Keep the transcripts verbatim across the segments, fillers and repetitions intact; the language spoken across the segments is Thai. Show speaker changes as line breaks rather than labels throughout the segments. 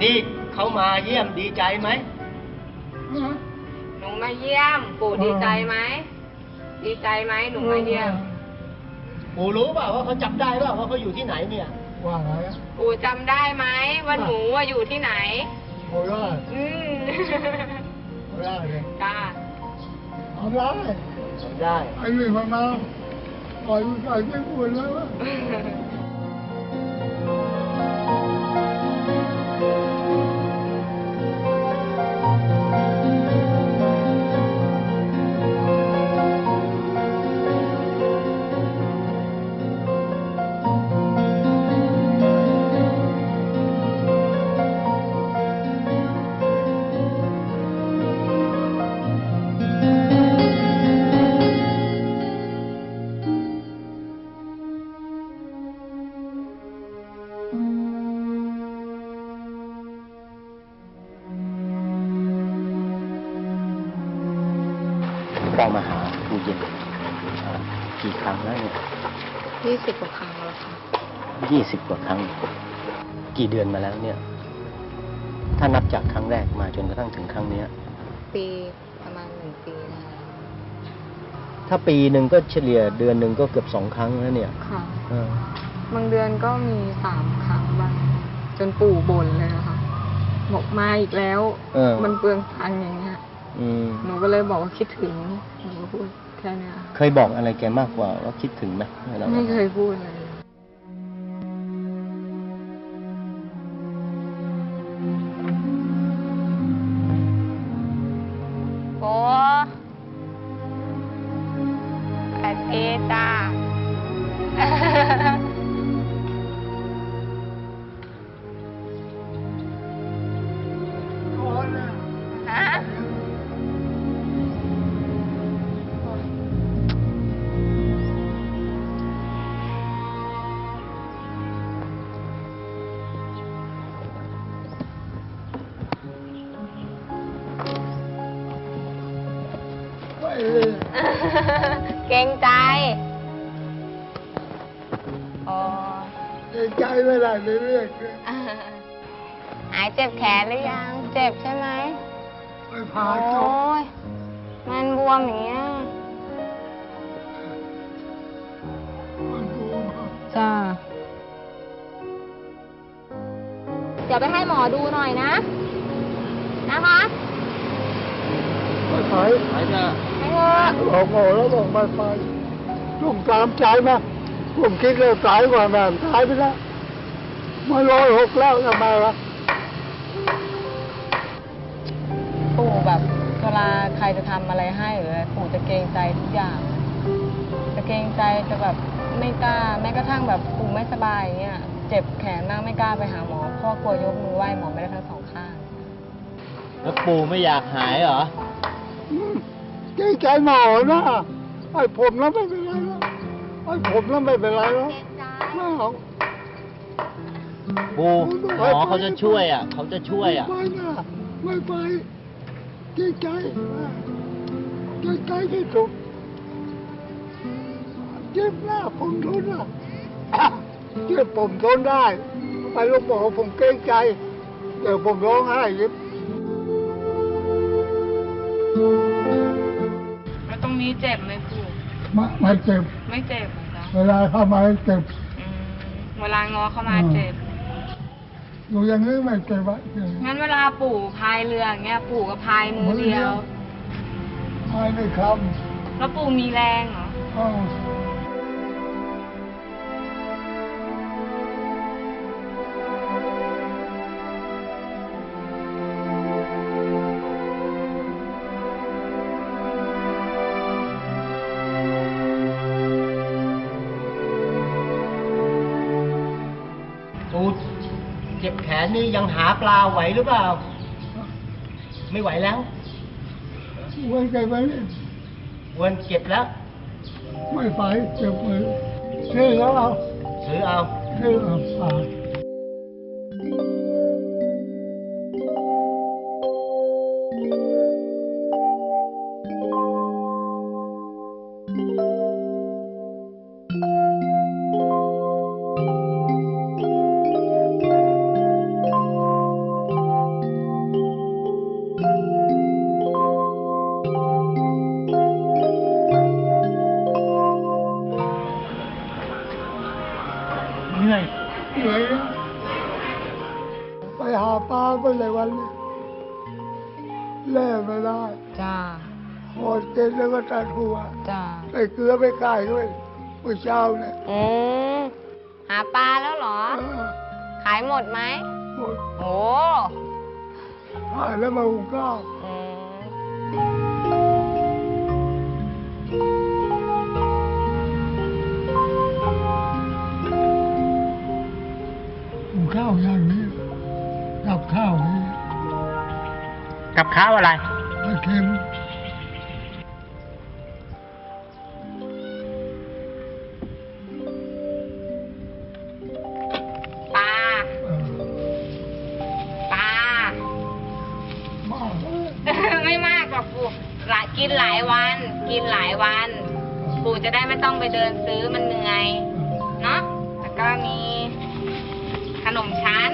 นี่เขามาเยี่ยมดีใจไหม
หนูมาเยี่ยมปู่ดีใจไหมดีใจไหมหนูมาเยี่ยม
ปู่รู้เปล่าว่าเขาจำได้เปล่าว่าเขาอยู่ที่ไหนเนี่ย
ว่าไง
ปู่จำได้ไหมว่าหนูว่าอยู่ที่ไหน
โอ้ได้
อืม
ได้เลย
จ้า
เอาได้
ได้
ไอ้นี่มันมาปล่อยมันใส่ไม่ควรแล้ว
ได้มาหาปู่เย็นกี่ครั้งแล้วเนี่ย
ยี่สิบกว่าครั้งแล้วค่ะ
ยี่สิบกว่าครั้งกี่เดือนมาแล้วเนี่ยถ้านับจากครั้งแรกมาจนกระทั่งถึงครั้งนี้
ปีประมาณหนึ่งปีนะคะ
ถ้าปีหนึ่งก็เฉลี่ยเดือนหนึ่งก็เกือบสองครั้งแล้วเนี่ย
ค่ะบางเดือนก็มีสามครั้งบ้างจนปู่บ่นเลยนะคะบอกมาอีกแล้วมันเปลืองตังค์อย่างเงี้ยหนูก็เลยบอกว่าคิดถึงหนูก็พูดแค่นี้
เคยบอกอะไรแกมากกว่าว่าคิดถึงไหม
ไม่เคยพูดเลยโอ้แอดเอตาเกรงใจอ๋อ
เกรงใจไม่ได้เรื่อย
ๆหายเจ็บแขนหรือยังเจ็บใช่ไหม
ไม่พาจบ
โอ้ยมันบวมอย่างเงี้ย
มันบวม
จ้าเดี๋ยวไปให้หมอดูหน่อยนะนะคะ
ไม่ไป
ไปจ้ะ
ไม่เถอะ
บอกหมอแล้วบอกไม่ไปจุ่มตามใจมาผมคิดเลยตายกว่าแม่ตายไปแล้วมาร้อยหกแล้วทำไมวะ
ปู่แบบเวลาใครจะทำอะไรให้หรืออะไรปู่จะเกรงใจทุกอย่างจะเกรงใจจะแบบไม่กล้าแม้กระทั่งแบบปู่ไม่สบายอย่างเงี้ยเจ็บแขนมากไม่กล้าไปหาหมอเพราะกลัวยกมือไหว้หมอไม่ได้ทั้งสองข้าง
แล้วปู่ไม่อยากหายเหรอ
เกรงใจหมอนะไอ้ผมแล้วไม่เป็นไรแล้วไอ้ผมแล้วไม่เป็นไรแล้วไม่เอา
ปู่หมอเขาจะช่วยอ่ะเขาจะช่วยอ่ะ
ไม่นะไม่ไปเกรงใจเกรงใจที่สุดเจ็บหน้าผมทนอ่ะเจ็บผมทนได้ไปลูกบอกผมเกรงใจเดี๋ยวผมร้องไห้ยิบ
แล้วตรงนี้เจ็บไหมปู่
ไม่ไม่เจ็บ
ไม่เจ็บเหรอ
เวลาเข้ามาเจ็บ
เวลางอเข้ามาเจ็บ
อยู่อย่างนี้ไม่เจ็บอ่ะ
งั้นเวลาปู่พายเรืออย่างเงี้ยปู่ก็พายมือเดียว
พายไม่ค
ำแล้วปู่มีแรงเหรอ
ปู่เจ็บแขนนี่ยังหาปลาไหวหรือเปล่าไม่ไหวแล้ว
วันใจไป
วันเจ็บแล้ว
ไม่ไปเจ็บมือซื้อแล้วเอา
ซื้อเอา
ซื้อเอาปลา
เ
ในวันนี้แล่ไม่ได้
จ้า
หอดเกินแล้วก็ตัดหัว
จ้า
ใส่เกลือไปก่ายด้วยเมื่อเช้าเนี่ย
อืมหาปลาแล้วเหรอ
เออ
ขายหมดไหม
หมด
โอ้
หายแล้วมาหุงข้าว
อืม
หุงข้าวอย่างนี้กับข้าวนี้
กับข้าวอะไร
ไม่เค็ม
ปลา
เออ
ปลา
มากเลย
ไม่มากหรอกปู่หลายกินหลายวัน กินหลายวัน ปู่จะได้ไม่ต้องไปเดินซื้อมันเหนื่อย เนาะแล้วก็มีขนมชั้น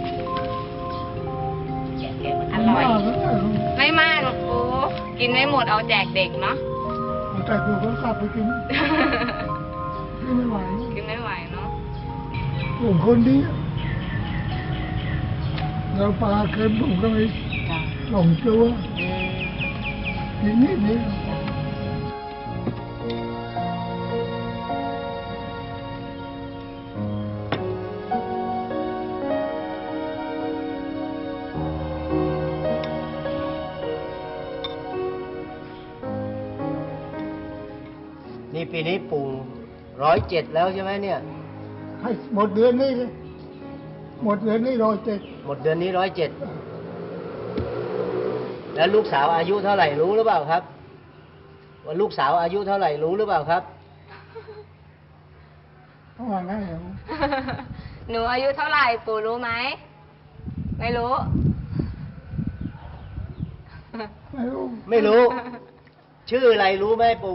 อร่อย
มากเลย
ไม่มากหรอกปู่กินไม่หมดเอาแจกเด็กเนาะ
แต่กูก็กลับไปกินกินไม่ไหว
กินไม่ไหวเนาะ
ผมคนเดียวแล้วปลาเค็มผมก็ไม่
จ้ะ
สองตัว
อืม
กินนิดเดียว
นี่ปีนี้ปู่ร้อยเจ็ดแล้วใช่ไหมเนี่ย
ให้หมดเดือนนี้เลยหมดเดือนนี้ร้อยเจ็ด
หมดเดือนนี้ร้อยเจ็ดแล้วลูกสาวอายุเท่าไหร่รู้หรือเปล่าครับ ว่าลูกสาวอายุเท่าไหร่รู้หรือเปล่าครับ
เขาว่าไงเหรอ
หนูอายุเท่าไหร่ปู่รู้ไหม ไม่รู้
ไม่รู้
ไม่รู้ ชื่ออะไรรู้ไหมปู่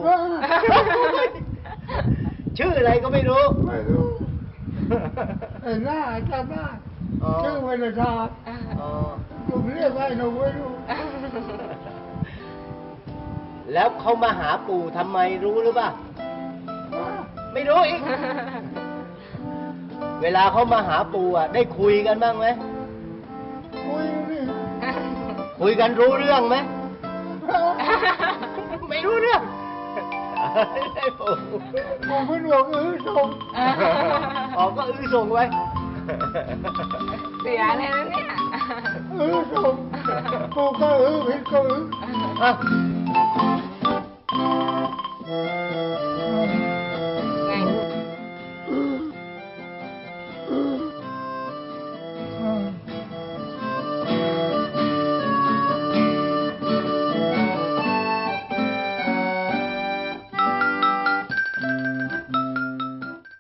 ชื่ออะไรก็ไม่รู้
ไม่รู้ไอ้หน้าจำได้
อ๋อ
ชื่อเวลาชาติ
อ๋อ
ผมเรียกไว้หนูไม่รู้
แล้วเขามาหาปู่ทำไมรู้หรือเปล่า ไม่รู้อีก เวลาเขามาหาปู่อ่ะ ได้คุยกันบ้างไหม
คุยนี่
คุยกันรู้เรื่องไหม ไม่รู้เรื่อง ได้ปู่
ผมเป็นห่วงเออส่ง
ออกก็อื้อส่งไว้
เสียเลยนะเนี่ย
เออส่งกูก็เออผิดก็เออ
อ่ะ